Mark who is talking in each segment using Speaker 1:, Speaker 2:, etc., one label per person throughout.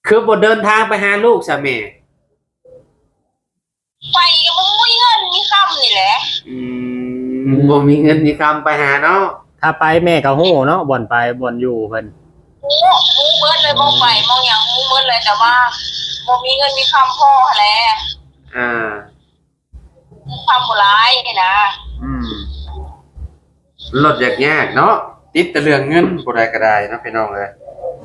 Speaker 1: คือบ่เดินทางไปหาลูกซะแม่
Speaker 2: ไปก็บ่มีเงินมีคำนี่แหละ
Speaker 1: อืบ่มีเงินมีคำไปหาเนาะ
Speaker 3: ถ้าไปแม่ก็ฮู้เนาะบ่อนไปบ่อนอยู่เพิ่น
Speaker 2: ฮู้เบิดเลยบ่ไปมองหยังฮู้เบิดเลยแต่ว่าบ่มีเงินมีคำพ่อแหละ
Speaker 1: อ่า
Speaker 2: คำบ่หลายนี่นะ
Speaker 1: อืมลดยากๆเนาะติดแต่เรื่องเงินบ่ได้ก็ได้เนาะพี่น้องเอ้ย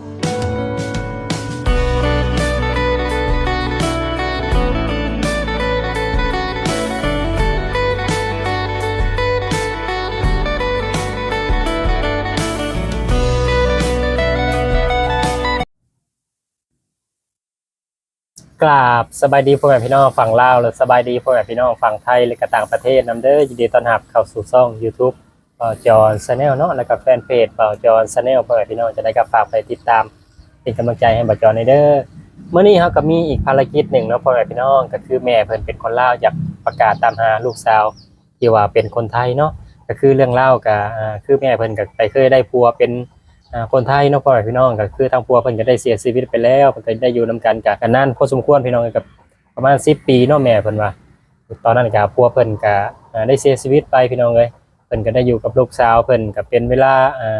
Speaker 3: กราบสบายดีพ่อแม่พี่น้องฝั่งลาวและสบายดีพ่อแม่พี่น้องฝั่งไทยและก็ต่างประเทศนำเด้อยินดีต้อนรับเข้าสู่ช่อง YouTube เป่าจอนชาแนลเนาะแล้วก็แฟนเพจเป่าจอนชาแนลพ่อแม่พี่น้องจะได้กับฝากไปติดตามเป็นกำลังใจให้เป่าจอนในเด้อเมื่อนี้เฮาก็มีอีกภารกิจหนึ่งเนาะพ่อแม่พี่น้องก็คือแม่เพิ่นเป็นคนลาวอยากประกาศตามหาลูกสาวที่ว่าเป็นคนไทยเนาะก็คือเรื่องเล่ากับคือแม่เพิ่นก็ไปเคยได้ผัวเป็นคนไทยเนาะพ่อแม่พี่น้องก็คือทางผัวเพิ่นก็ได้เสียชีวิตไปแล้วเพิ่นก็ได้อยู่นำกันกันนานพอสมควรพี่น้องกับประมาณ10 ปีเนาะแม่เพิ่นว่าตอนนั้นก็ผัวเพิ่นก็ได้เสียชีวิตไปพี่น้องเอ้ยเพิ่นก็ได้อยู่กับลูกสาวเพิ่นก็เป็นเวลา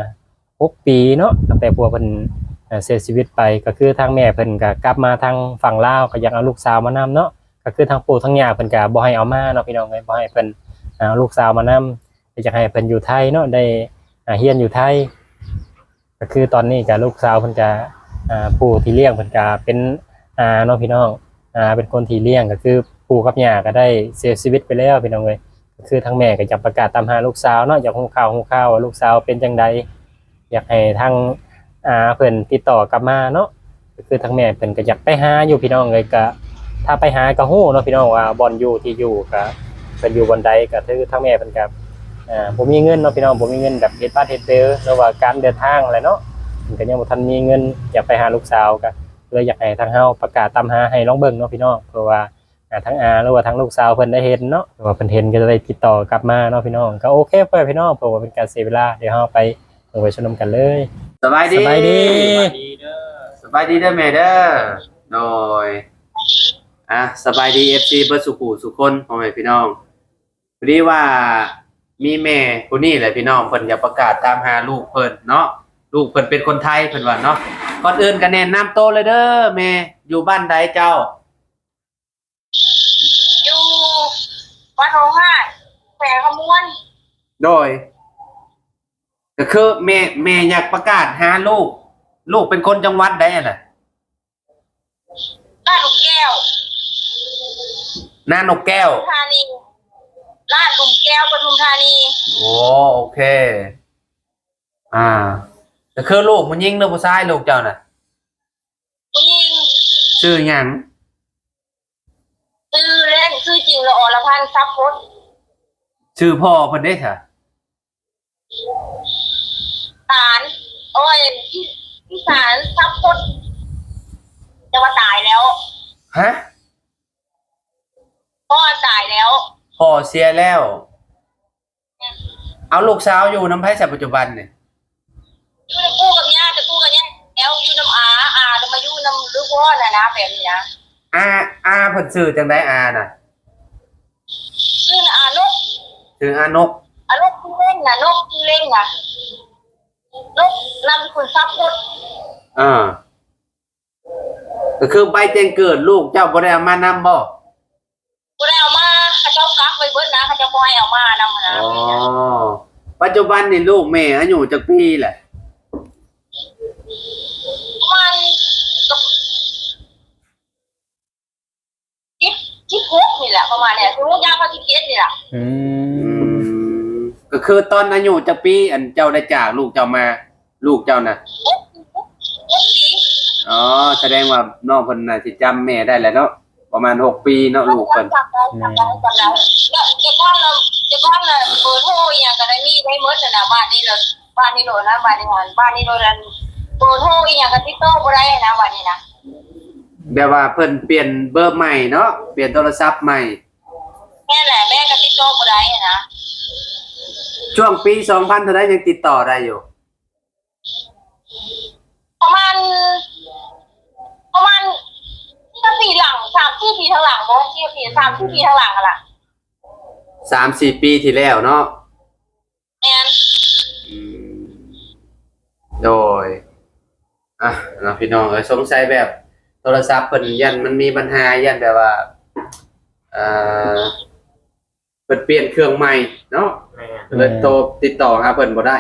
Speaker 3: 6 ปีเนาะตั้งแต่ผัวเพิ่นเสียชีวิตไปก็คือทางแม่เพิ่นก็กลับมาทางฝั่งลาวก็อยากเอาลูกสาวมานำเนาะก็คือทางปู่ทางย่าเพิ่นก็บ่ให้เอามาเนาะพี่น้องเอ้ยบ่ให้เพิ่นเอาลูกสาวมานำอยากให้เพิ่นอยู่ไทยเนาะได้เรียนอยู่ไทยก็คือตอนนี้ก็ลูกสาวเพิ่นก็ปู่ที่เลี้ยงเพิ่นก็เป็นเนาะพี่น้องเป็นคนที่เลี้ยงก็คือปู่กับย่าก็ได้เสียชีวิตไปแล้วพี่น้องเอ้ยก็คือทางแม่ก็อยากประกาศตามหาลูกสาวเนาะอยากฮู้ข่าวว่าลูกสาวเป็นจังไดอยากให้ทางเพิ่นติดต่อกลับมาเนาะก็คือทางแม่เพิ่นก็อยากไปหาอยู่พี่น้องเอ้ยก็ถ้าไปหาก็ฮู้เนาะพี่น้องว่าบ่อนอยู่ที่อยู่ก็เพิ่นอยู่บ่อนใดก็คือทางแม่เพิ่นก็บ่มีเงินเนาะพี่น้องบ่มีเงินแบบเฮ็ดบ้านเฮ็ดเด้อหรือว่าการเดินทางอะไรเนาะเพิ่นก็ยังบ่ทันมีเงินอยากไปหาลูกสาวก็เลยอยากให้ทางเฮาประกาศตามหาให้ลองเบิ่งเนาะพี่น้องเพราะว่าทั้งหรือว่าทั้งลูกสาวเพิ่นได้เห็นเนาะว่าเพิ่นเห็นก็จะได้ติดต่อกลับมาเนาะพี่น้องก็โอเคเพื่อนพี่น้องเพราะว่าเป็นการเสียเวลาเดี๋ยวเฮาไปลงไปชมกันเลย
Speaker 1: สบายดี
Speaker 3: สบายดี
Speaker 1: สบายดีเด้อแม่เด้อโดยสบายดี FC เบิดสุขุสุคนพ่อแม่พี่น้องพอดีว่ามีแม่ผู้นี้แหละพี่น้องเพิ่นอยากประกาศตามหาลูกเพิ่นเนาะลูกเพิ่นเป็นคนไทยเพิ่นว่าเนาะก่อนอื่นก็แนะนำโตวเลยเด้อแม่อยู่บ้านใดเจ้า
Speaker 2: อยู่บ้านโฮห้าแขวงขมวน
Speaker 1: โดยก็คือแม่อยากประกาศหาลูกเป็นคนจังหวัดใดน่ะ
Speaker 2: ลาดหลุมแก้ว
Speaker 1: นานกแก้ว
Speaker 2: ธานีลาดหลุมแก้วปทุมธานี
Speaker 1: โอเคก็คือลูกมันยิงหรือผู้ชายลูกเจ้าน่ะ
Speaker 2: ผู้หญิง
Speaker 1: ชื่อหยัง
Speaker 2: ชื่อเล่นชื่อจริงละอรพันธ์ทรัพย์พจน์
Speaker 1: ชื่อพ่อเพิ่นได้ค่ะ
Speaker 2: สารโอ้ยพี่สารทรัพย์พจน์จะว่าตายแล้ว
Speaker 1: ฮะ
Speaker 2: พ่อตายแล้ว
Speaker 1: พ่อเสียแล้วเอาลูกสาวอยู่น้ำไผ่ปัจจุบันเนี่ย
Speaker 2: อยู่น้ำกู้กับย่าจะกู้กับย่าแล้วอยู่น้ำอาจะมาอยู่น้ำลูกพ่อนะแบบนี้นะ
Speaker 1: เพิ่นชื่อจังไดน่ะ
Speaker 2: ชื่ออานก
Speaker 1: ชื่ออานก
Speaker 2: ที่เล่นนะนกที่เล่นนะนกนำคุณทรัพย์พจน์
Speaker 1: ก็คือใบแจ้งเกิดลูกเจ้าบ่ได้เอามานำบ่
Speaker 2: ได้เอามาเขาเจ้ากักไว้เบิดนะเขาเจ้าบ่ให้เอามานำนะ
Speaker 1: ปัจจุบันนี่ลูกแม่อายุจักปีแหละ
Speaker 2: มันที่พกนี่แหละประมาณเนี่ยคือพวกยาพาธิเกตนี่แหละ
Speaker 1: ก็คือตอนอายุจักปีอันเจ้าได้จากลูกเจ้ามาลูกเจ้าน่ะแสดงว่าน้องเพิ่นน่ะสิจำแม่ได้แหละเนาะประมาณ6 ปีเนาะลูกเพิ่น
Speaker 2: จะก้อนเลยเบอร์โทรอย่างก็ได้มีได้หมดน่ะบ้านนี้เลยบ้านนี้โลดนะบ้านนี้หันบ้านนี้โลดนั้นเบอร์โทรอีหยังก็ติดต่อบ่ได้นะบ้านนี้นะ
Speaker 1: แบบว่าเพิ่นเปลี่ยนเบอร์ใหม่เนาะเปลี่ยนโทรศัพท์ใหม่
Speaker 2: แม่แหละแม่ก็ติดต่อบ่ได้นะ
Speaker 1: ช่วงปี2000เท่าใดยังติดต่อได้อยู่
Speaker 2: ประมาณทางหลังบ่4ปี3ปีทางหลังอ่ะล่ะ
Speaker 1: 3-4 ปีที่แล้วเนาะ
Speaker 2: แม่น
Speaker 1: อืมโดยเนาะพี่น้องสงสัยแบบโทรศัพท์เพิ่นยันมันมีปัญหายันแบบว่าเอ่อเพิ่นเปลี่ยนเครื่องใหม่เนาะเลยโทรติดต่อหาเพิ่นบ่ได้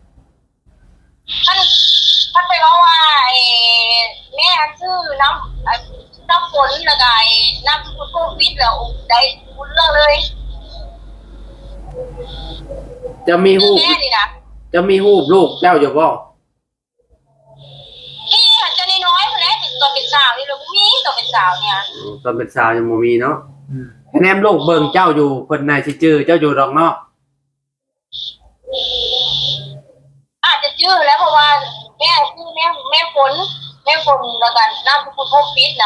Speaker 2: ท่านไปว่าแม่ชื่อน้ำฝนแล้วก็น้ำโควิดแล้วได้พูดเรื่องเลย
Speaker 1: จะมีรูป
Speaker 2: แม่นี่นะ
Speaker 1: จะมีรูปลูกเจ้าอยู่บ่
Speaker 2: นี่หันจะน้อยๆคนแรกตัวเป็นสาวนี่ลูกมีตัวเป็นสาวเนี่ย
Speaker 1: ตอนเป็นสาวยังบ่มีเนาะคะแนนลูกเบิ่งเจ้าอยู่เพิ่นน่าสิจื้อเจ้าอยู่ดอกเนาะ
Speaker 2: อาจจะชื่อแล้วเพราะว่าแม่ชื่อแม่ฝนแล้วกันน้ำโควิด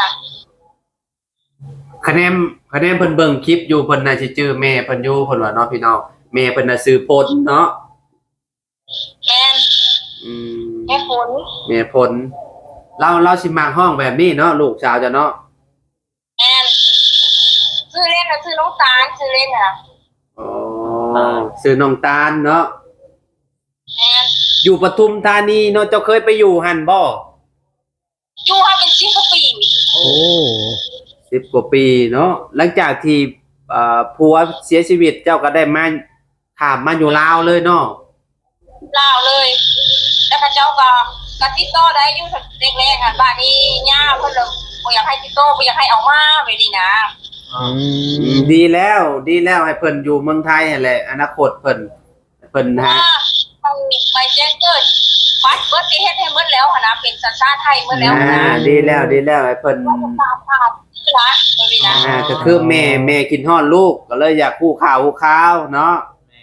Speaker 2: นะคะ
Speaker 1: แนนเพิ่นเบิ่งคลิปอยู่เพิ่นน่าสิจื้อแม่เพิ่นอยู่เพิ่นว่าเนาะพี่น้องแม่เพิ่นน่ะซื้อโพดเนาะ
Speaker 2: แม่แม่ฝน
Speaker 1: แม่ผลเราสิมาห้องแบบนี้เนาะลูกสาวจะเนาะ
Speaker 2: แม่ชื่อเล่นนะชื่อน้องตาลชื่อเล่นนะ
Speaker 1: อ๋อซื้อน้องตาลเนาะ
Speaker 2: แม่
Speaker 1: อยู่ปทุมธานีเนาะเจ้าเคยไปอยู่หั่นบ่
Speaker 2: อยู่ให้เป็น10 กว่าปี
Speaker 3: โอ้
Speaker 1: 10 กว่าปีเนาะหลังจากที่ผัวเสียชีวิตเจ้าก็ได้มาข้ามมาอยู่ลาวเลยเนาะ
Speaker 2: ลาวเลยแล้วพระเจ้าก็ติดต่อได้อยู่แรกๆอ่ะบ้านนี้ย่าเพิ่นเลยบ่อยากให้ติดต่อบ่อยากให้เอามาไว้นี่นะ
Speaker 1: ดีแล้วให้เพิ่นอยู่เมืองไทยนั่นแหละอนาคตเพิ่นฮะ
Speaker 2: ไปแจ้งเกิดบัตรเบิดที่เฮ็ดให้หมดแล้วหั่นนะเป็นสัญชาติไทยหมดแล้วหั่นนะ
Speaker 1: ดีแล้วให้เพิ่น
Speaker 2: ตามภาพที่รักไว้นี่นะ
Speaker 1: ก็คือแม่กินฮอดลูกก็เลยอยากคู่ข้าวเนาะ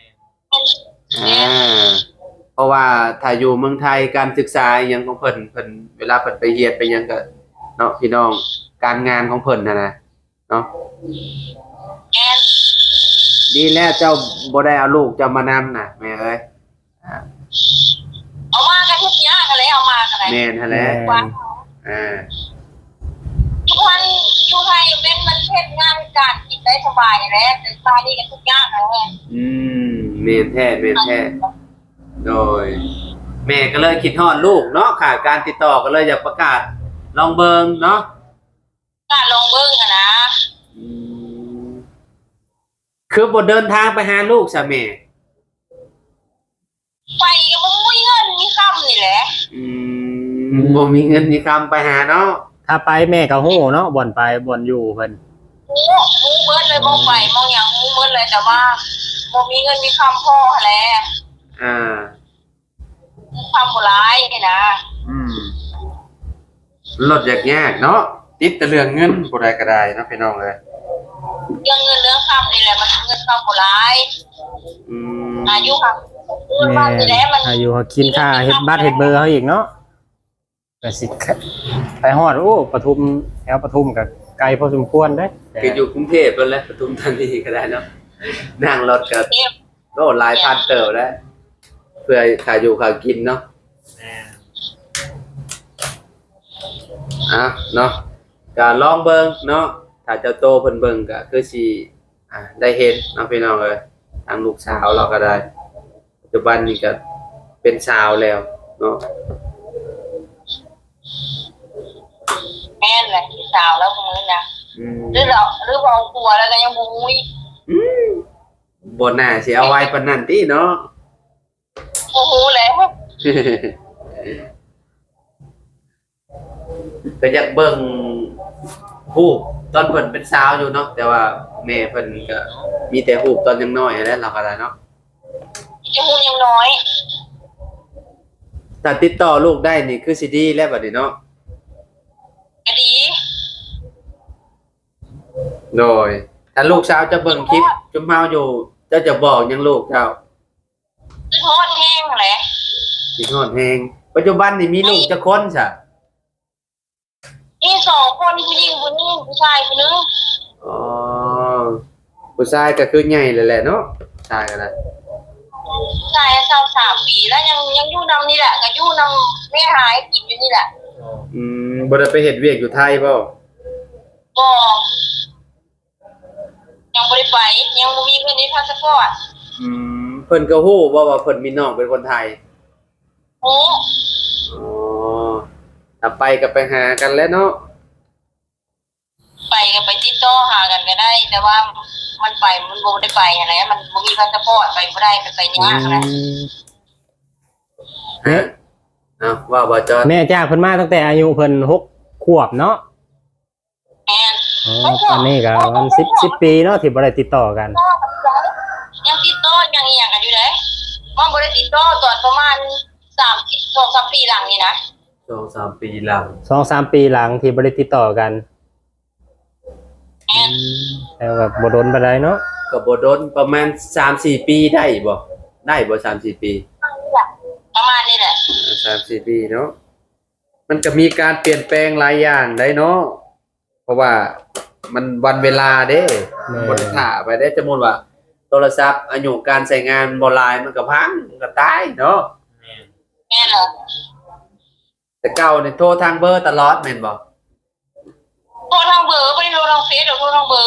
Speaker 1: เพราะว่าถ้าอยู่เมืองไทยการศึกษาอหยังของเพิ่นเวลาเพิ่นไปเรียนไปหยังก็เนาะพี่น้องการงานของเพิ่นนะเนาะ
Speaker 2: แม่น
Speaker 1: ดีแล้วเจ้าบ่ได้เอาลูกเจ้ามานำน่ะแม่เอ้ย
Speaker 2: เอามากันทุกอย่างกันเลยเอามากันเลย
Speaker 1: แม่นหั่นแหละ
Speaker 2: ว่า ทุกวันอยู่ไทยเป็นมันเฮ็ดงานการกินได้สบายแหละแต่ตานี่กันทุกอย่างนั่นแหละ
Speaker 1: แม่นแท้โดย แม่ก็เลยคิดฮอดลูกเนาะขาดการติดต่อก็เลยอยากประกาศลองเบิ่งเนาะ
Speaker 2: การลงเบิ่งอะนะ
Speaker 1: คือบ่เดินทางไปหาลูกซะแม่
Speaker 2: ไปก็บ่มีเงินมีค่ำนี่แหละ
Speaker 1: บ่มีเงินมีคำไปหาเนาะ
Speaker 3: ถ้าไปแม่ก็ฮู้เนาะบ่อนไปบ่อนอยู่เพิ่น
Speaker 2: ฮู้เบิดเลยมองไปมองอย่างฮู้เบิดเลยแต่ว่าบ่มีเงินมีค่ำพอแหละ ค่ำบ่หลายนี่นะ
Speaker 1: ลดยากเนาะติดแต่เรื่องเงินบ่ได้ก็ได้เนาะพี่น้องเอ้ย
Speaker 2: เรื่องเงินเรื่องค่ำนี่แหละมันเงินค่ำบ่หลาย อายุค่ะ
Speaker 3: แม่อายุเขากินค่าเฮ็ดบัตรเฮ็ดเบอร์เขาอีกเนาะก็สิไปฮอดโอ้ปทุมแถวปทุมก็ไกลพอสมควรเด้
Speaker 1: คืออยู่กรุงเทพเพิ่นแหละปทุมธานีก็ได้เนาะนั่งรถก็โอ้หลายพันเติบแล้วเพื่อค่าอยู่ค่ากินเนาะเนาะก็ลองเบิ่งเนาะถ้าเจ้าโตเพิ่นเบิ่งก็คือสิได้เห็นเนาะพี่น้องเอ้ยทางลูกสาวเราก็ได้ปัจจุบันนี้ก็เป็นสาวแล้วเนาะ
Speaker 2: แม่นแหละพี่สาวแล้วมื้อนะหรือเอาผัวแล้วก็ยังบ่ฮู้อีก
Speaker 1: บ่น่าสิเอาไว้ปานนั้นติเนาะ
Speaker 2: บ่ฮู้แล้ว
Speaker 1: ก็อยากเบิ่งรูปตอนเพิ่นเป็นสาวอยู่เนาะแต่ว่าแม่เพิ่นก็มีแต่รูปตอนยังน้อยนั่นแหละเราก็ได้เนาะ
Speaker 2: จะฮู้ยังน้อย
Speaker 1: ถ้าติดต่อลูกได้นี่คือสิดีแล้วบัดนี้เนาะ
Speaker 2: ก็ดี
Speaker 1: โดยถ้าลูกสาวจะเบิ่งคลิปจุมเฮาอยู่เจ้าจะบอกหยังลูกเจ้า
Speaker 2: คือทอดแห้งแหละ
Speaker 1: สิฮอดแฮงปัจจุบันนี่มีลูกจักคนซะ
Speaker 2: มี2คนผู้หญิงผู้นึงผู้ชายผู้นึง
Speaker 1: อ๋อผู้ชายก็คือใหญ่เลยแหละเนาะชายก็ได้
Speaker 2: ผู้ชาย23ปีแล้วยังอยู่นำนี่แหละก็อยู่นำแม่หายกินอยู่นี่แหละ
Speaker 1: บ่ได้ไปเฮ็ดเวียกอยู่ไทยบ่
Speaker 2: บ่ยังบ่ได้ไปยังบ่มีเงินในพาสปอร์ต
Speaker 1: เพิ่นก็ฮู้ว่าเพิ่นมีน้องเป็นคนไทย
Speaker 2: โอ้
Speaker 1: อ๋อถ้าไปก็ไปหากันแล้วเนาะ
Speaker 2: ไปก็ไปติดต่อหากันก็ได้ แต่ว่ามันไปมันบ่ได้ไปอะไรมันบ่มีพาสปอร์ตไปบ่ได้ไปยากนะ
Speaker 3: แม่
Speaker 1: ว่าบ่จอด
Speaker 3: แม่จ้างเพิ่นมาตั้งแต่อายุเพิ่น6 ขวบเนาะ
Speaker 2: แม่น
Speaker 3: อ๋อตอนนี้ก็มัน10 ปีเนาะที่บ่ได้ติดต่อกัน
Speaker 2: ยังติดต่อยังอีหยังกันอยู่เด้มันบ่ได้ติดต่อตอนประมาณ2-3 ปีหลังนี่นะ
Speaker 1: 2-3 ปีหลัง
Speaker 3: 2-3 ปีหลังที่บ่ได้ติดต่อกัน
Speaker 2: แม่น
Speaker 3: แต่แบบบ่โดนปานใดเนาะ
Speaker 1: ก็บ่โดนประมาณ 3-4 ปีได้บ่3-4 ปี
Speaker 2: ประมาณนี้แหละ
Speaker 1: 3-4 ปีเนาะมันก็มีการเปลี่ยนแปลงหลายอย่างได้เนาะเพราะว่ามันวันเวลาเด้บ่ได้ท่าไปได้สมมุติว่าโทรศัพท์อายุการใช้งานบ่หลายมันก็พังมันก็ตายเนาะ
Speaker 2: แม่นเหรอ
Speaker 1: แต่เก่านี่โทรทางเบอร์ตลอดแม่นบ่
Speaker 2: โทรทางเบอร์บ่ได้โทรทางเฟซหรือโทรทางเบอร์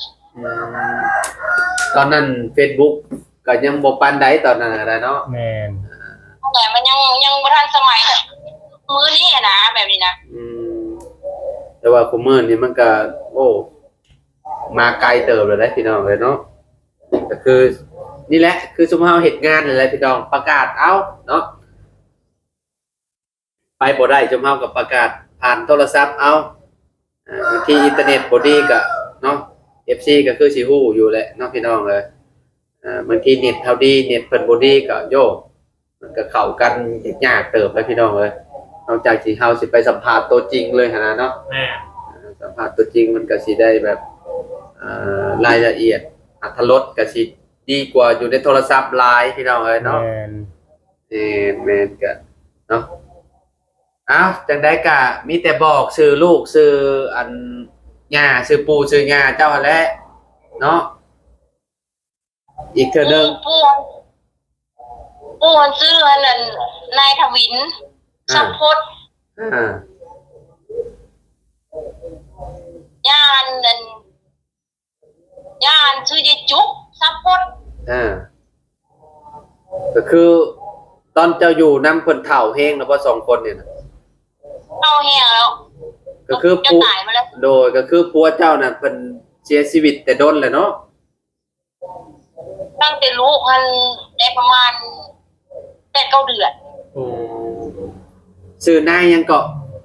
Speaker 1: ตอนนั้น Facebook ก็ยังบ่ปานใดตอนนั้นก็ได้เนาะ
Speaker 3: แม่น
Speaker 2: แต่มันยังบ่ทันสมัยมื้อนี้อะนะแบบนี้นะ
Speaker 1: แต่ว่าคุมื้อนี้มันก็โอ้มาไกลเติบแล้วได้พี่น้องเลยเนาะก็คือนี่แหละคือซุมเฮาเฮ็ดงานนั่นแหละพี่น้องประกาศเอาเนาะไปบ่ได้ซุมเฮาก็ประกาศผ่านโทรศัพท์เอาบางทีอินเทอร์เน็ตบ่ดีก็เนาะ FC ก็คือสิฮู้อยู่แหละเนาะพี่น้องเอ้ยบางทีเน็ตเฮาดีเน็ตเพิ่นบ่ดีก็โยมันก็เข้ากันยากเติบเลยพี่น้องเอ้ยนอกจากสิเฮาสิไปสัมภาษณ์ตัวจริงเลยหั่นน่ะเนาะ
Speaker 3: แม่
Speaker 1: สัมภาษณ์ตัวจริงมันก็สิได้แบบรายละเอียดอรรถรสก็สิดีกว่าอยู่ในโทรศัพท์ไลน์พี่น้องเอ้ยเนาะ
Speaker 3: แม่น
Speaker 1: แม่นก็เนาะอ้าวจังได๋ก็มีแต่บอกชื่อลูกชื่ออันย่าชื่อปู่ชื่อย่าเจ้าหั่นแหละเนาะอีกเทื่อนึง
Speaker 2: ปู่ชื่ออันนั้นนายทวินสัมพจน์
Speaker 1: อ่า
Speaker 2: ย่านนั่นย่านชื่อยายจุกสัมพจน์
Speaker 1: ก็คือตอนเจ้าอยู่นำเพิ่นเฒ่าแฮงแล้วบ่2คนเนี่ยนะ
Speaker 2: เอาแห้งแล้ว
Speaker 1: ก็คือ
Speaker 2: จะ
Speaker 1: ปู่
Speaker 2: ตายมาแล้ว
Speaker 1: โดยก็คือผัวเจ้าน่ะเพิ่นเสียชีวิตแต่โดนแล้วเนาะ
Speaker 2: ตั้งแต่ลูกมันได้ประมาณ8-9 เดือน
Speaker 1: ชื่อนายยังเกาะ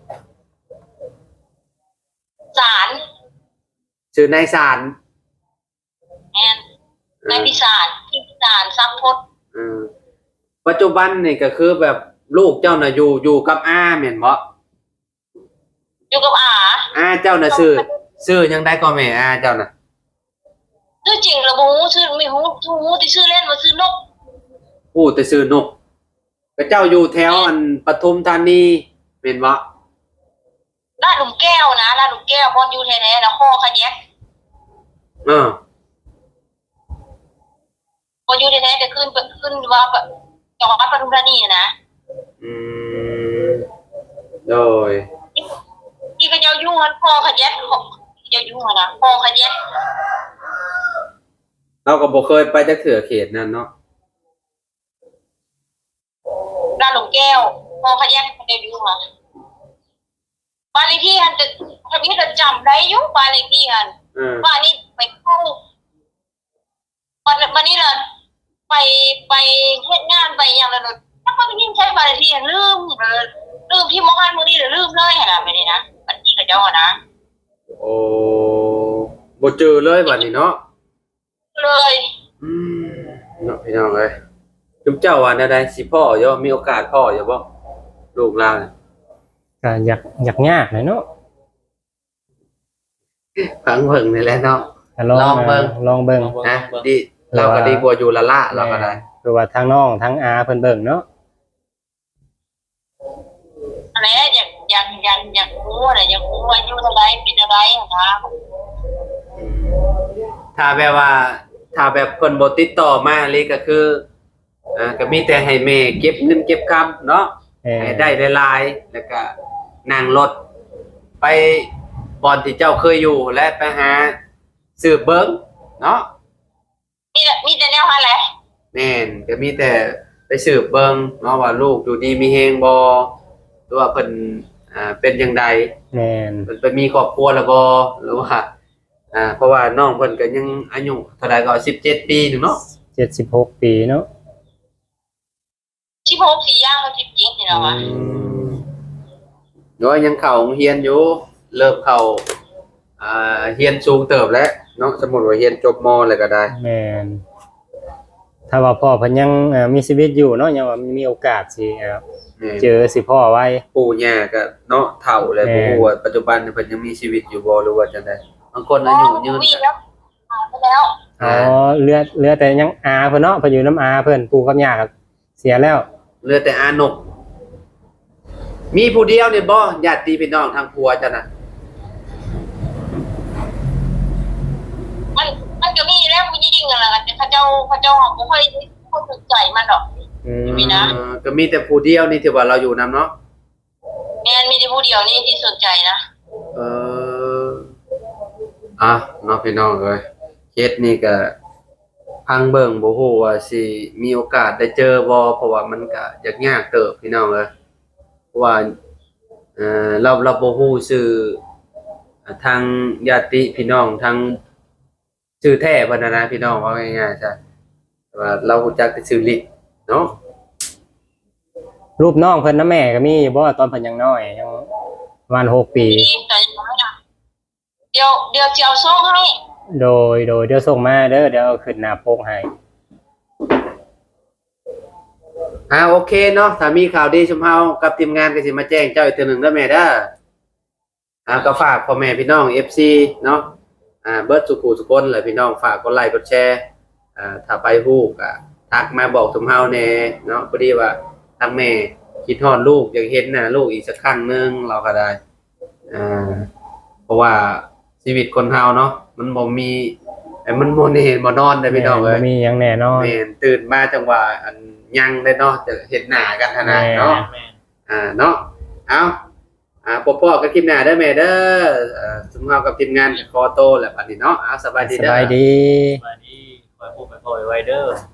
Speaker 2: ศาล
Speaker 1: ชื่อนายสาร
Speaker 2: แม่นนายพิสารสัมพจน์
Speaker 1: ปัจจุบันนี่ก็คือแบบลูกเจ้าน่ะอยู่กับอาแม่นบ่
Speaker 2: อยู่กับอา
Speaker 1: อาเจ้าน่ะชื่อยังได้ก็แม่อาเจ้าน่ะ
Speaker 2: ชื่อจริงระบุชื่อไม่ฮู้ที่ชื่อเล่นว่าชื่อนก
Speaker 1: พูดแต่ชื่อนกก็เจ้าอยู่แถวอันปทุมธานีแม่นบ่
Speaker 2: ลาดหลุมแก้วนะลาดหลุมแก้วพออยู่แท้ๆแล้วคอขะแยก
Speaker 1: เออ
Speaker 2: พออยู่แท้ๆก็ขึ้นว่าจังหวัดปทุมธานีนะ
Speaker 1: อืมโดย
Speaker 2: ที่ก็เจ้าอยู่หันคอขะแยกเจ้าอยู่หันนะคอขะแยก
Speaker 1: เราก็บ่เคยไปจักเทื่อเขตนั้นเนาะ
Speaker 2: ลาดหลุมแก้วคอขะแยกเจ้าอยู่หันบ้านเลขที่หันจะทะเบียนจะจำได้อยู่บ้านเลขที่หัน บ้านนี้ไปเข้าวันนี้เลยไปเฮ็ดงานไปอย่างละเลยถ้ามันยิ่งใช้บาลีลืมที่มองหันมือนี่ลืมเลยนะไม่ได้นะบัดนี้กับเจ้านะ
Speaker 1: โอ้บ่เจอเลยบัดนี้เนาะ
Speaker 2: เลย
Speaker 1: เนาะพี่น้องเอ้ยจุ๊บเจ้าว่าแนวใดสิพ่ออยู่มีโอกาสพ่ออยู่บ่ลูกหลาน
Speaker 3: ก็อยากยากหน่อยเนาะ
Speaker 1: ฟังเพิ่งนี่แหละเนาะ
Speaker 3: ก็ลองเบิ่ง
Speaker 1: นะดีเราก็ดีกว่าอยู่ละละเราก็ได้
Speaker 3: คือว่าทั้งน้องทั้งอาเพิ่นเบิ่งเนาะ
Speaker 2: อะไรอยากรู้อะไรอยากรู้ว่าอยู่เท่าไรเป็นอะไรนะคะ
Speaker 1: ถ้าแบบเพิ่นบ่ติดต่อมาเลยก็คือก็มีแต่ให้แม่เก็บเงินเก็บคำเนาะให้ได้หลายๆแล้วก็นั่งรถไปบ่อนที่เจ้าเคยอยู่และไปหาซื้อเบิ่งเนาะ
Speaker 2: มีแต่แนวหาแหละ
Speaker 1: แม่นก็มีแต่ไปสืบเบิ่งเนาะว่าลูกอยู่ดีมีแฮงบ่หรือว่าเพิ่นเป็นจังได
Speaker 3: แม่น
Speaker 1: เพิ่นไปมีครอบครัวแล้วบ่หรือว่าเพราะว่าน้องเพิ่นก็ยังอายุเท่าใดก็17ปีนึงเนาะ
Speaker 3: 76ปีเนาะ
Speaker 2: 16สี่ย่างมัน17นี่แล้ววะ
Speaker 1: โดยยังเข้าโรงเรียนอยู่เริ่มเข้าเรียนสูงเติบแล้วเนาะสมมุติว่าเรียนจบมแล้วก็ได้
Speaker 3: แม่นถ้าว่าพ่อเพิ่นยังมีชีวิตอยู่เนาะยังว่ามีโอกาสสิเจอสิพ่อไว้
Speaker 1: ปู่ย่าก็เนาะเฒ่าแล้ว
Speaker 3: แม่
Speaker 1: บ่ฮู้ว่าปัจจุบันเพิ่นยังมีชีวิตอยู่บ่หรือว่าจังได๋บางคนอายุยืน
Speaker 2: มีแล้วไปแล้ว
Speaker 3: อ๋อเหลือแต่ยังอาเพิ่นเนาะเพิ่นอยู่น้ำอาเพิ่นปู่กับย่าก็เสียแล้ว
Speaker 1: เหลือแต่อานก มีผู้เดียวนี่บ่ญาติพี่น้องทางผัวจ้ะน่ะ
Speaker 2: มันก็มีแล้วผู้หญิงนั่นแหละแต่เขาเจ้าบ่ค่อยสนใจมันหรอก มีนะ
Speaker 1: ก็มีแต่ผู้เดียวนี่ที่ว่าเราอยู่นํเนาะ
Speaker 2: แม่นมีแต่ผู้เดียวนี่ที่สนใจนะ
Speaker 1: เออเนาะพี่น้องเอ้ยเคสนี่ก็พังเบิ่งบ่ฮู้ว่าสิมีโอกาสได้เจอบ่เพราะว่ามันก็ยากเติบพี่น้องเอ้ยเพราะว่าเราบ่ฮู้ชื่อทางญาติพี่น้องทางชื่อแท้เพิ่นนะพี่น้องว่าง่ายๆจ้ะแต่ว่าเรารู้จักแต่ชื่อลิเนาะ
Speaker 3: รูปน้องเพิ่นนะแม่ก็มีอยู่บ่ตอนเพิ่นยังน้อยยังประมาณ6ปี
Speaker 2: นี่แต่ยังไม่ได้เดี๋ยวจะเอาส่งให้
Speaker 3: โดยเดี๋ยวส่งมาเด้อเดี๋ยวเอาขึ้นหน้าปกให้
Speaker 1: โอเคเนาะถ้ามีข่าวดีชุมเฮากับทีมงานก็สิมาแจ้งเจ้าอีกเทื่อหนึงเด้อแม่เด้อก็ฝากพ่อแม่พี่น้อง FC เนาะเบิดสุขุสุคนเลยพี่น้องฝากกดไลค์กดแชร์ถ้าไปฮู้ก็ทักมาบอกชุมเฮาแน่เนาะพอดีว่าทางแม่คิดฮอดลูกอยากเห็นหน้าลูกอีกสักครั้งหนึงเราก็ได้เพราะว่าชีวิตคนเฮาเนาะมันบ่มีมันบ่ได้เห็นบ่นอนได้พี่น้องเอ้ย
Speaker 3: บ่มีหยังแน่นอน
Speaker 1: แม่นตื่นมาจังหวะอันยังได้เนาะจะเห็นหน้ากันขนาดเนาะเนาะเอาปอๆกับคลิปหน้าเด้อแม่เด้อสมเฮากับทีมงานขอโตวแล้วบัดนี้เนาะเอาสบายดี
Speaker 3: ส
Speaker 1: เด้อ
Speaker 3: บายดี
Speaker 4: มานี่คอยพูดไปคอยไว้เด้อ